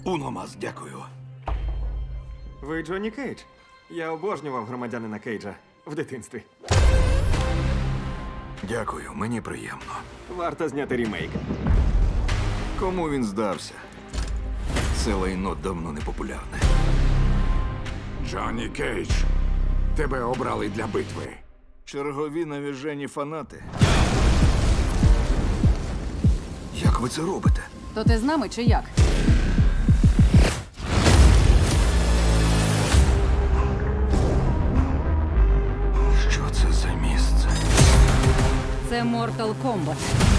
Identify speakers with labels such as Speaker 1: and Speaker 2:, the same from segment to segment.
Speaker 1: Уномас, дякую.
Speaker 2: Ви Джонні Кейдж? Я обожнював громадянина Кейджа в дитинстві.
Speaker 1: Дякую, мені приємно.
Speaker 2: Варто зняти рімейк.
Speaker 1: Кому він здався? Це лайно давно не популярне.
Speaker 3: Джонні Кейдж, тебе обрали для битви.
Speaker 1: Чергові навіжені фанати. Як ви це робите?
Speaker 4: То ти з нами чи як?
Speaker 1: Що це за місце?
Speaker 4: Це Mortal Kombat.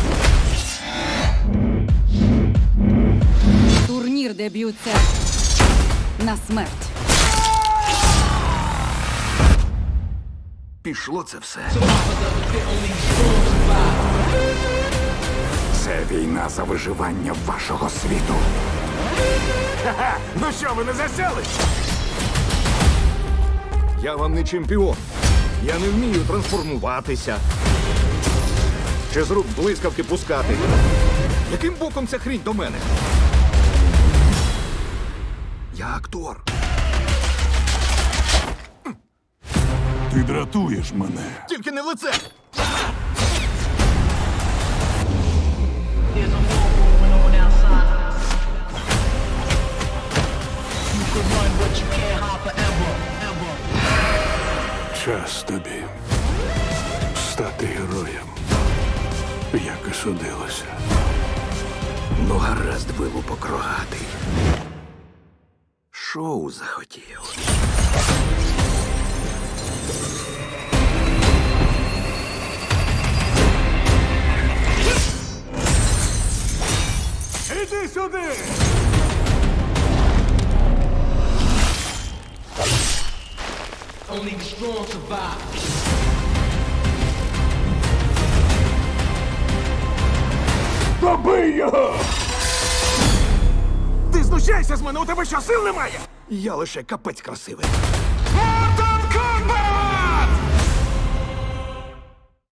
Speaker 4: Турнір, де б'ються на смерть.
Speaker 1: Пішло це все.
Speaker 3: Це війна за виживання вашого світу.
Speaker 2: Ну що, ви не засяли?
Speaker 1: Я вам не чемпіон. Я не вмію трансформуватися. Чи з рук блискавки пускати. Яким боком ця хрінь до мене? Я актор.
Speaker 3: Ти дратуєш мене.
Speaker 1: Тільки не в лице.
Speaker 5: There's a war going on outside. You could run, but you can't hide forever, ever.
Speaker 3: Час тобі стати героєм, як і судилося.
Speaker 1: Ну, гаразд, вилупок рогатий. Шоу захотів.
Speaker 2: Іди сюди!
Speaker 5: Only the strong survive.
Speaker 3: Добий його!
Speaker 2: Ти знущайся з мене, у тебе що, сил немає?
Speaker 1: Я лише капець красивий.